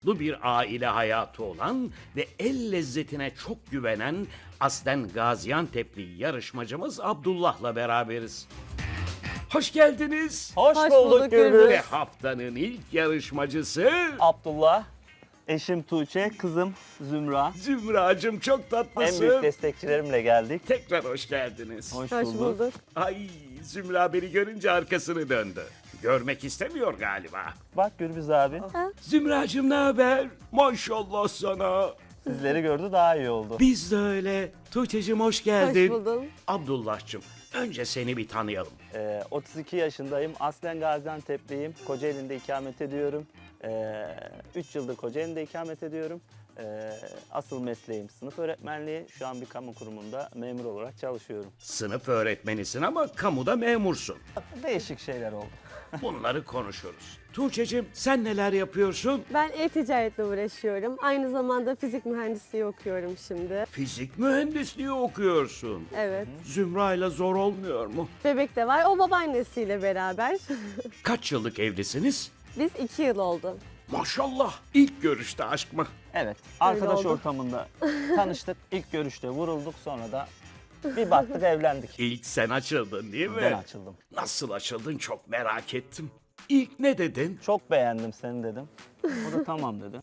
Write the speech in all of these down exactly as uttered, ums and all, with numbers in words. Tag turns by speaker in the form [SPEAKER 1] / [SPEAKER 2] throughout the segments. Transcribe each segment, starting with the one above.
[SPEAKER 1] mutlu bir aile hayatı olan ve el lezzetine çok güvenen aslen Gaziantep'li yarışmacımız Abdullah'la beraberiz. Hoş geldiniz.
[SPEAKER 2] Hoş,
[SPEAKER 3] Hoş
[SPEAKER 2] bulduk
[SPEAKER 3] bulduk
[SPEAKER 2] Gürbüz.
[SPEAKER 3] Gürbüz.
[SPEAKER 1] Ve haftanın ilk yarışmacısı
[SPEAKER 2] Abdullah, eşim Tuğçe, kızım Zümra.
[SPEAKER 1] Zümracığım, çok
[SPEAKER 2] En
[SPEAKER 1] tatlısın.
[SPEAKER 2] büyük destekçilerimle geldik.
[SPEAKER 1] Tekrar hoş geldiniz.
[SPEAKER 2] Hoş,
[SPEAKER 3] Hoş
[SPEAKER 2] bulduk.
[SPEAKER 3] bulduk.
[SPEAKER 1] Ay, Zümra beni görünce arkasını döndü. Görmek istemiyor galiba.
[SPEAKER 2] Bak Gürbüz abi,
[SPEAKER 1] Zümracığım, ne haber? Maşallah sana.
[SPEAKER 2] sizleri gördü daha iyi oldu.
[SPEAKER 1] Biz de öyle. Tuğçe'cim hoş geldin.
[SPEAKER 3] Hoş buldum.
[SPEAKER 1] Abdullah'cığım, önce seni bir tanıyalım.
[SPEAKER 2] Ee, otuz iki yaşındayım, aslen Gaziantep'liyim. Kocaeli'nde ikamet ediyorum. Ee, üç yıldır Kocaeli'nde ikamet ediyorum. Ee, asıl mesleğim sınıf öğretmenliği. Şu an bir kamu kurumunda memur olarak çalışıyorum.
[SPEAKER 1] Sınıf öğretmenisin ama kamuda memursun.
[SPEAKER 2] Değişik şeyler oldu.
[SPEAKER 1] Bunları konuşuruz. Tuğçe'cim, sen neler yapıyorsun?
[SPEAKER 3] Ben e-ticaretle uğraşıyorum. Aynı zamanda fizik mühendisliği okuyorum şimdi.
[SPEAKER 1] Fizik mühendisliği okuyorsun.
[SPEAKER 3] Evet.
[SPEAKER 1] Zümra'yla zor olmuyor mu?
[SPEAKER 3] Bebek de var. O babaannesiyle beraber.
[SPEAKER 1] Kaç yıllık evlisiniz?
[SPEAKER 3] Biz iki yıl oldu.
[SPEAKER 1] Maşallah. İlk görüşte aşk mı?
[SPEAKER 2] Evet, arkadaş
[SPEAKER 3] oldu.
[SPEAKER 2] ortamında tanıştık. İlk görüşte vurulduk, sonra da bir baktık evlendik.
[SPEAKER 1] İlk sen açıldın değil mi?
[SPEAKER 2] Ben açıldım.
[SPEAKER 1] Nasıl açıldın çok merak ettim. İlk ne dedin?
[SPEAKER 2] Çok beğendim seni dedim. O da tamam dedi.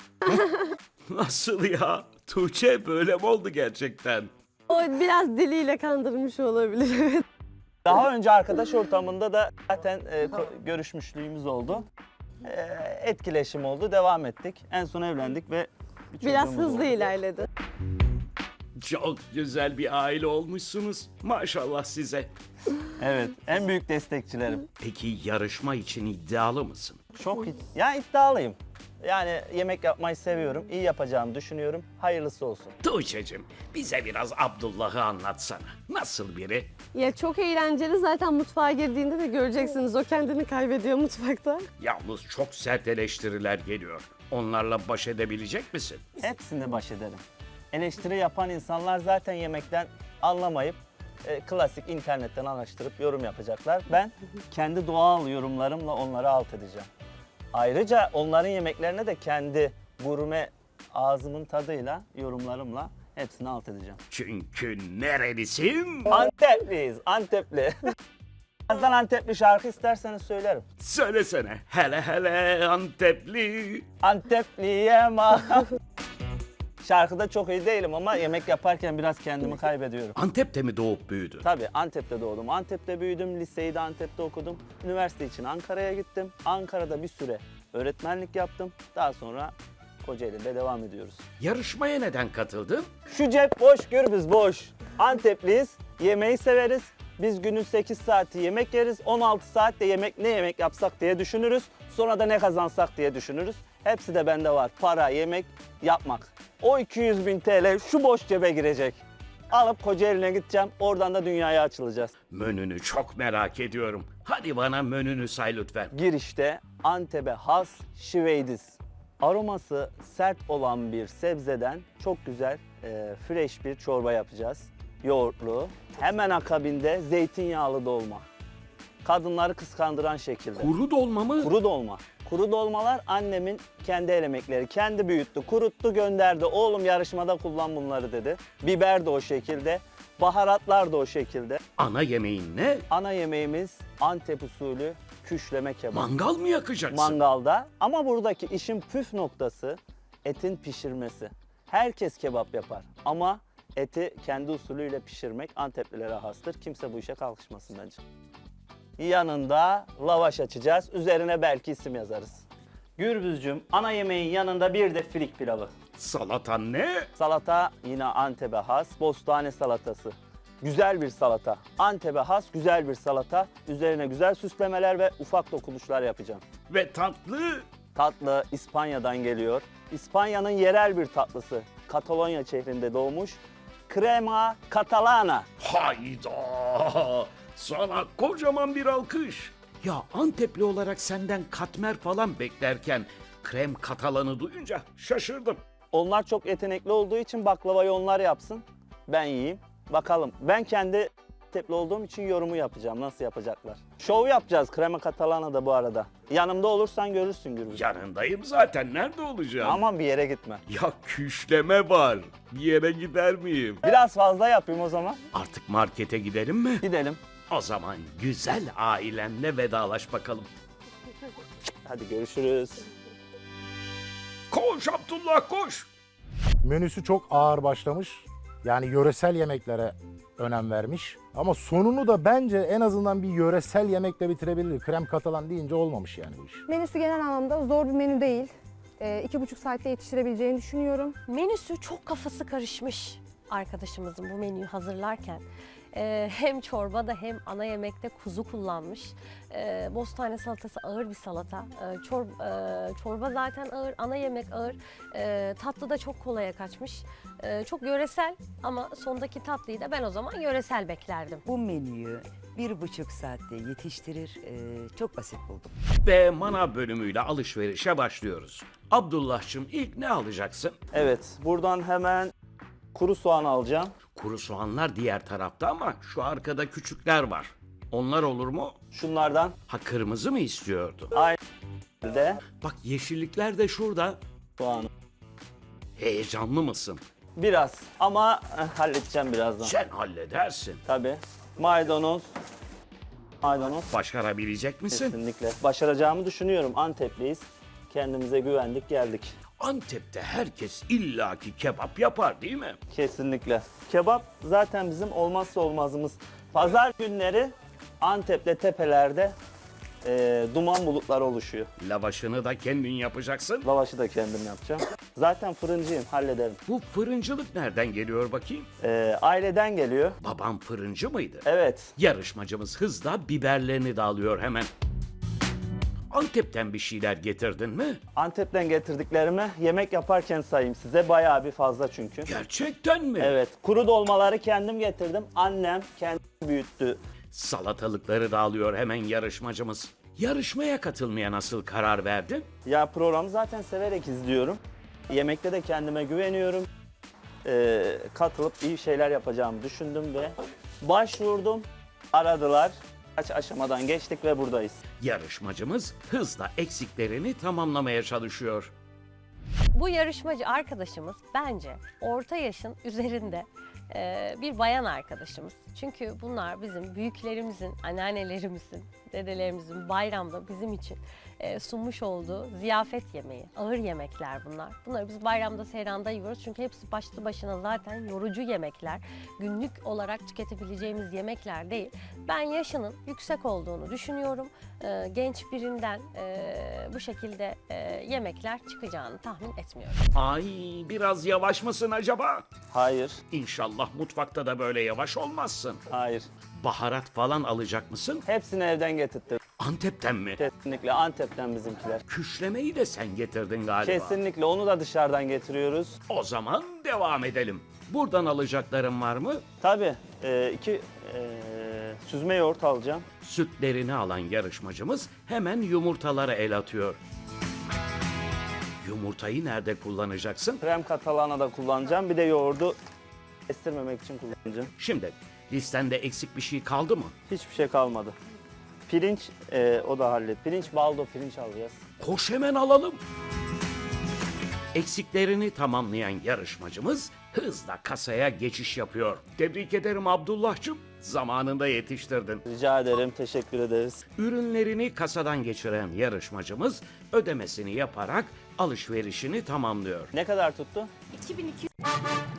[SPEAKER 1] Nasıl ya? Tuğçe böyle mi oldu gerçekten?
[SPEAKER 3] O biraz diliyle kandırmış olabilir. Evet.
[SPEAKER 2] Daha önce arkadaş ortamında da zaten e, ko- görüşmüşlüğümüz oldu. E, etkileşim oldu, devam ettik. En son evlendik ve bir
[SPEAKER 3] Biraz
[SPEAKER 2] çocuğumuz
[SPEAKER 3] hızlı
[SPEAKER 2] oldu.
[SPEAKER 3] ilerledi.
[SPEAKER 1] Çok güzel bir aile olmuşsunuz. Maşallah size.
[SPEAKER 2] Evet, en büyük destekçilerim.
[SPEAKER 1] Peki yarışma için iddialı mısın?
[SPEAKER 2] Çok id- ya iddialıyım. Yani yemek yapmayı seviyorum, iyi yapacağımı düşünüyorum. Hayırlısı olsun.
[SPEAKER 1] Tuğçe'cim, bize biraz Abdullah'ı anlatsana. Nasıl biri?
[SPEAKER 3] Ya çok eğlenceli. Zaten mutfağa girdiğinde de göreceksiniz. O kendini kaybediyor mutfakta.
[SPEAKER 1] Yalnız çok sert eleştiriler geliyor. Onlarla baş edebilecek misin?
[SPEAKER 2] Hepsinde baş ederim. Eleştiri yapan insanlar zaten yemekten anlamayıp e, klasik internetten araştırıp yorum yapacaklar. Ben kendi doğal yorumlarımla onları alt edeceğim. Ayrıca onların yemeklerine de kendi gurme ağzımın tadıyla, yorumlarımla hepsini alt edeceğim.
[SPEAKER 1] Çünkü nerelisin?
[SPEAKER 2] Antepliyiz, Antepli. Birazdan Antepli şarkı isterseniz söylerim.
[SPEAKER 1] Söylesene. Hele hele Antepli.
[SPEAKER 2] Antepliye ma. Şarkıda çok iyi değilim ama yemek yaparken biraz kendimi kaybediyorum.
[SPEAKER 1] Antep'te mi doğup büyüdün?
[SPEAKER 2] Tabii Antep'te doğdum. Antep'te büyüdüm. Liseyi de Antep'te okudum. Üniversite için Ankara'ya gittim. Ankara'da bir süre öğretmenlik yaptım. Daha sonra Kocaeli'de devam ediyoruz.
[SPEAKER 1] Yarışmaya neden katıldın?
[SPEAKER 2] Şu cep boş, Gürbüz boş. Antepliyiz. Yemeği severiz. Biz günün sekiz saati yemek yeriz. on altı saatte yemek ne yemek yapsak diye düşünürüz. Sonra da ne kazansak diye düşünürüz. Hepsi de bende var. Para, yemek, yapmak. O iki yüz bin T L şu boş cebe girecek. Alıp Kocaeli'ne gideceğim. Oradan da dünyaya açılacağız.
[SPEAKER 1] Menünü çok merak ediyorum. Hadi bana menünü say lütfen.
[SPEAKER 2] Girişte Antep'e has şiveydiz. Aroması sert olan bir sebzeden çok güzel, e, fresh bir çorba yapacağız. Yoğurtlu. Hemen akabinde zeytinyağlı dolma. Kadınları kıskandıran şekilde.
[SPEAKER 1] Kuru dolma mı?
[SPEAKER 2] Kuru dolma. Kuru dolmalar annemin kendi el emekleri. Kendi büyüttü, kuruttu, gönderdi. Oğlum yarışmada kullan bunları dedi. Biber de o şekilde. Baharatlar da o şekilde.
[SPEAKER 1] Ana yemeğin ne?
[SPEAKER 2] Ana yemeğimiz Antep usulü küşleme kebap.
[SPEAKER 1] Mangal mı yakacaksın?
[SPEAKER 2] Mangalda. Ama buradaki işin püf noktası etin pişirmesi. Herkes kebap yapar ama eti kendi usulüyle pişirmek Anteplilere hastır. Kimse bu işe kalkışmasın bence. Yanında lavaş açacağız. Üzerine belki isim yazarız. Gürbüzcüm, ana yemeğin yanında bir de filik pilavı.
[SPEAKER 1] Salatan ne?
[SPEAKER 2] Salata yine Antep'e has. Bostane salatası. Güzel bir salata. Antep'e has güzel bir salata. Üzerine güzel süslemeler ve ufak dokunuşlar yapacağım.
[SPEAKER 1] Ve tatlı?
[SPEAKER 2] Tatlı İspanya'dan geliyor. İspanya'nın yerel bir tatlısı. Katalonya şehrinde doğmuş. Crema Catalana.
[SPEAKER 1] Hayda! Sana kocaman bir alkış. Ya Antepli olarak senden katmer falan beklerken krem katalanı duyunca şaşırdım.
[SPEAKER 2] Onlar çok yetenekli olduğu için baklavayı onlar yapsın. Ben yiyeyim. Bakalım. Ben kendi Antepli olduğum için yorumu yapacağım. Nasıl yapacaklar? Şov yapacağız krema catalana da bu arada. Yanımda olursan görürsün Gürbüz.
[SPEAKER 1] Yanındayım zaten. Nerede olacağım?
[SPEAKER 2] Aman bir yere gitme.
[SPEAKER 1] Ya küşleme var. Bir yere gider miyim?
[SPEAKER 2] Biraz fazla yapayım o zaman.
[SPEAKER 1] Artık markete gidelim mi?
[SPEAKER 2] Gidelim.
[SPEAKER 1] O zaman güzel ailenle vedalaş bakalım.
[SPEAKER 2] Hadi görüşürüz.
[SPEAKER 1] Koş Abdullah koş.
[SPEAKER 4] Menüsü çok ağır başlamış. Yani yöresel yemeklere önem vermiş. Ama sonunu da bence en azından bir yöresel yemekle bitirebilir. Krem katalan deyince olmamış yani bu iş.
[SPEAKER 5] Menüsü genel anlamda zor bir menü değil. Ee, iki buçuk saatte yetiştirebileceğini düşünüyorum.
[SPEAKER 6] Menüsü çok kafası karışmış arkadaşımızın bu menüyü hazırlarken. Ee, hem çorbada hem ana yemekte kuzu kullanmış. Ee, bostane salatası ağır bir salata. Ee, çor, e, çorba zaten ağır, ana yemek ağır. Ee, tatlı da çok kolaya kaçmış. Ee, çok yöresel ama sondaki tatlıyı da ben o zaman yöresel beklerdim.
[SPEAKER 7] Bu menüyü bir buçuk saatte yetiştirir, e, çok basit buldum.
[SPEAKER 1] Ve manav bölümüyle alışverişe başlıyoruz. Abdullah'cığım ilk ne alacaksın?
[SPEAKER 2] Evet buradan hemen kuru soğan alacağım.
[SPEAKER 1] Kuru soğanlar diğer tarafta ama şu arkada küçükler var. Onlar olur mu?
[SPEAKER 2] Şunlardan
[SPEAKER 1] Ha kırmızı mı istiyordu?
[SPEAKER 2] aynı de
[SPEAKER 1] Bak yeşillikler de şurada.
[SPEAKER 2] soğanı.
[SPEAKER 1] Heyecanlı mısın?
[SPEAKER 2] Biraz ama eh, halledeceğim birazdan.
[SPEAKER 1] Sen halledersin.
[SPEAKER 2] Tabii. Maydanoz. Maydanoz.
[SPEAKER 1] Başarabilecek misin?
[SPEAKER 2] Kesinlikle. Başaracağımı düşünüyorum. Antepliyiz. Kendimize güvendik geldik.
[SPEAKER 1] Antep'te herkes illaki kebap yapar değil mi?
[SPEAKER 2] Kesinlikle. Kebap zaten bizim olmazsa olmazımız. Pazar günleri Antep'te tepelerde e, duman bulutları oluşuyor.
[SPEAKER 1] Lavaşını da kendin yapacaksın.
[SPEAKER 2] Lavaşı da kendim yapacağım. Zaten fırıncıyım, hallederim.
[SPEAKER 1] Bu fırıncılık nereden geliyor bakayım?
[SPEAKER 2] E, aileden geliyor.
[SPEAKER 1] Babam fırıncı mıydı?
[SPEAKER 2] Evet.
[SPEAKER 1] Yarışmacımız hızla biberlerini de alıyor hemen. Antep'ten bir şeyler getirdin mi?
[SPEAKER 2] Antep'ten getirdiklerimi yemek yaparken sayayım size. Bayağı bir fazla çünkü.
[SPEAKER 1] Gerçekten mi?
[SPEAKER 2] Evet. Kuru dolmaları kendim getirdim. Annem kendi büyüttü.
[SPEAKER 1] Salatalıkları da alıyor hemen yarışmacımız. Yarışmaya katılmaya nasıl karar verdin?
[SPEAKER 2] Ya programı zaten severek izliyorum. Yemekte de kendime güveniyorum. Ee, katılıp iyi şeyler yapacağımı düşündüm ve başvurdum. Aradılar. Kaç aşamadan geçtik ve buradayız.
[SPEAKER 1] Yarışmacımız hızla eksiklerini tamamlamaya çalışıyor.
[SPEAKER 6] Bu yarışmacı arkadaşımız bence orta yaşın üzerinde e, bir bayan arkadaşımız. Çünkü bunlar bizim büyüklerimizin, anneannelerimizin, dedelerimizin bayramda bizim için e, sunmuş olduğu ziyafet yemeği. Ağır yemekler bunlar. Bunları biz bayramda, seyranda yiyoruz. Çünkü hepsi başlı başına zaten yorucu yemekler. Günlük olarak tüketebileceğimiz yemekler değil. Ben yaşının yüksek olduğunu düşünüyorum. E, genç birinden e, bu şekilde e, yemekler çıkacağını tahmin etmiyorum.
[SPEAKER 1] Ay biraz yavaş mısın acaba?
[SPEAKER 2] Hayır,
[SPEAKER 1] İnşallah mutfakta da böyle yavaş olmazsın.
[SPEAKER 2] hayır.
[SPEAKER 1] Baharat falan alacak mısın?
[SPEAKER 2] Hepsini evden getirttim.
[SPEAKER 1] Antep'ten mi?
[SPEAKER 2] Kesinlikle Antep'ten bizimkiler.
[SPEAKER 1] Küşlemeyi de sen getirdin galiba.
[SPEAKER 2] Kesinlikle onu da dışarıdan getiriyoruz.
[SPEAKER 1] O zaman devam edelim. Buradan alacakların var mı?
[SPEAKER 2] Tabii e, iki e, süzme yoğurt alacağım.
[SPEAKER 1] Sütlerini alan yarışmacımız hemen yumurtalara el atıyor. Yumurtayı nerede kullanacaksın?
[SPEAKER 2] Krem katalana da kullanacağım. Bir de yoğurdu estirmemek için kullanacağım.
[SPEAKER 1] Şimdi listende eksik bir şey kaldı mı?
[SPEAKER 2] Hiçbir şey kalmadı. Pirinç e, o da hallet. Pirinç baldo pirinç alacağız.
[SPEAKER 1] Koş hemen alalım. Eksiklerini tamamlayan yarışmacımız hızla kasaya geçiş yapıyor. Tebrik ederim Abdullah'cığım. Zamanında yetiştirdin.
[SPEAKER 2] Rica ederim. Teşekkür ederiz.
[SPEAKER 1] Ürünlerini kasadan geçiren yarışmacımız ödemesini yaparak alışverişini tamamlıyor.
[SPEAKER 2] Ne kadar tuttu?
[SPEAKER 6] iki bin iki yüz